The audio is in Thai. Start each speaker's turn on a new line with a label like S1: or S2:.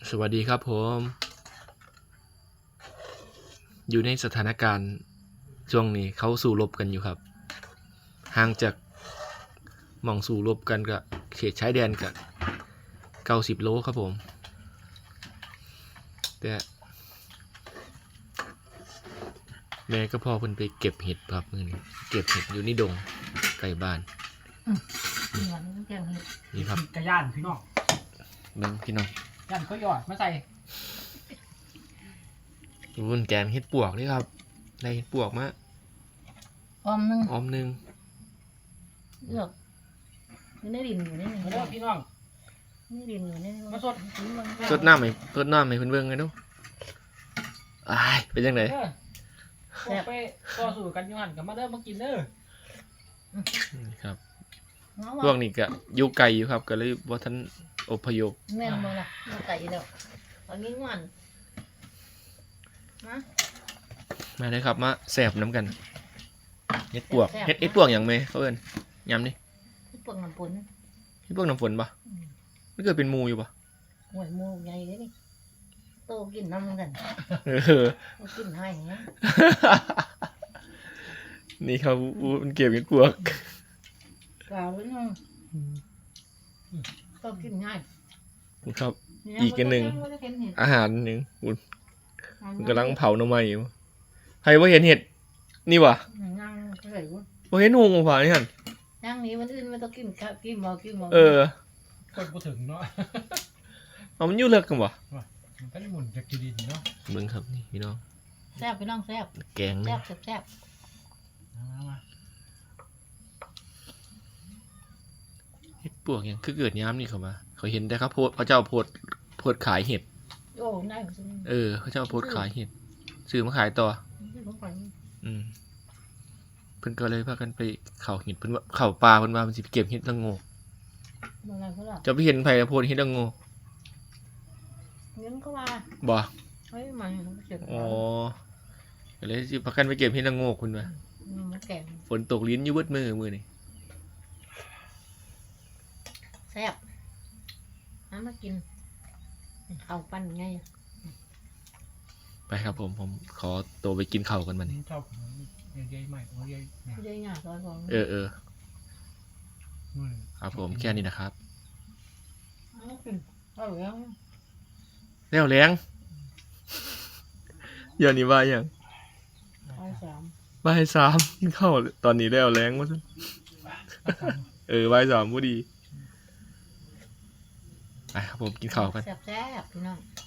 S1: สวัสดีครับผมอยู่ในสถานการณ์ช่วงนี้เขาสู้รบกันอยู่ครับห่างจากหม่องสู้รบกันกับเขตชายแดนกับ90 โลครับผมแต่แม่ก็พ่อเพิ่นไปเก็บเห็ดครับมื้อนี้เก็บเห็ดอยู่ในดงใกล้บ้านนี่ครับ
S2: กระย่านพี่น้อง
S1: เบิ่งพี่น้อง
S2: ย่านก็หยอดมาใส่
S1: รุ่นแกงเห็ดปวกนี่ครับได้เห็ดปวกมา
S3: ออมนึง
S1: ออมหนึง
S3: เลือกอยู่ในดินอยู่ในนี่
S2: มาเด้อพี่น้อง
S3: ในดินอยู่ใน
S2: มาสด
S1: สดน้ำให้เพิ่นเบิ่งกันดูอ้ายเป็นจังได๋
S2: เด้อพวกไปต่อสู้กันอยู่หันกับมาเด้อมากินเด้อ
S1: นี่ครับ
S3: เนาะ
S1: พวกนี้ก็อยู่ไกลอยู่ครับก็เลยบ่ทันอพยพ
S3: แม่นบ่ล่ะอยู่ไก่แล้วตอนนี้งวนมา
S1: มาเลยครับมาแสบน้ำกันเฮ็ดปวกเฮ็ดปวกอย่างไหมเขาเอิ้นยำนี่
S3: ที่ปวงน้ำปน
S1: เฮ็ดปวกน้ำฝนปะไม่เกิดเป็นหมูอยู่ปะ
S3: หวยหมูใหญ่เลยนี่โตกินน้ำกัน
S1: เออ
S3: โตกินให้เงี้ย
S1: นี่ครับมันเก็บเฮ็ดปวก
S3: กล่าวเลยน้องโตกินง่าย
S1: ครับ อีกอันหนึ่ง อาหารหนึ่งมันกำลังเผาหน่อไม้อยู่ใครว่าเห็นเห็ดนี่วะ
S3: ย่างเลยวุ้น
S1: ว่าเห็นหงผ่านี่หัน
S3: ย่างนี้มันอื่นไม่ต้องกินข้าวกินหมอกินหมอ
S1: เออ
S2: คนบ่ถึงเนาะ
S1: เอามันอยู่เลิกกันวะ
S2: มันก็ได้หมุนจากดินเนาะ
S1: เบิ่งครับนี่พี่น้อง
S3: แซ่บพี่น้องแซ่บ
S1: แกง
S3: แซ่
S1: นี่
S3: บแซ่บ
S2: มา
S1: เห็ดปวกยังคือเกิดย้ำนี่เขามาเขาเห็นแต่ครับโพสเขาเจ้าโพสขายเห็ด
S3: โอ้ได้ผมซื้อ
S1: เออเขาเจ้าโพสขายเห็ดซื้อมาขายต่อ
S3: ผมก่อน
S1: อืมเพิ่นก็เลยพากันไปเข่าเห็ดเพิ่นว่าเข่าปลาเพิ่นว่ามันสิไปเก็บเห็ดละโงก
S3: อะไรก็ล่ะ
S1: จะไปเห็นไผโพดเห็ดละโงก
S3: เงินก็มา
S1: บ่
S3: เฮ้ยมันเจ็บ
S1: อ๋อก็เลยสิพากันไปเก็บเห็ดละโงกเพิ่นว่า
S3: มันแก่
S1: ฝนตกลิ้นอยู่เบิดมื้อนี่
S3: แซ่บน้ำมากินข้าวปั้นไง
S1: ไปครับผมขอตัวไปกินข้าวกันบัดนี้
S2: ชอบใหญ่ๆใหม่โอ้ยใหญ่
S3: ไม่ได้ง่ายซอยของ
S1: เออครับผมแค่นี้นะครับ
S3: กินเอาแล้ว
S1: แล้วแรงอย่านี้ว่าหยัง
S3: เอาสาม
S1: บ่าย3กินข้าวตอนนี้แล้วแรงว่าซั่นบ่าย3บ่ดีไปครับผมกินข้าวกัน
S3: แซ่บๆพี่น้อง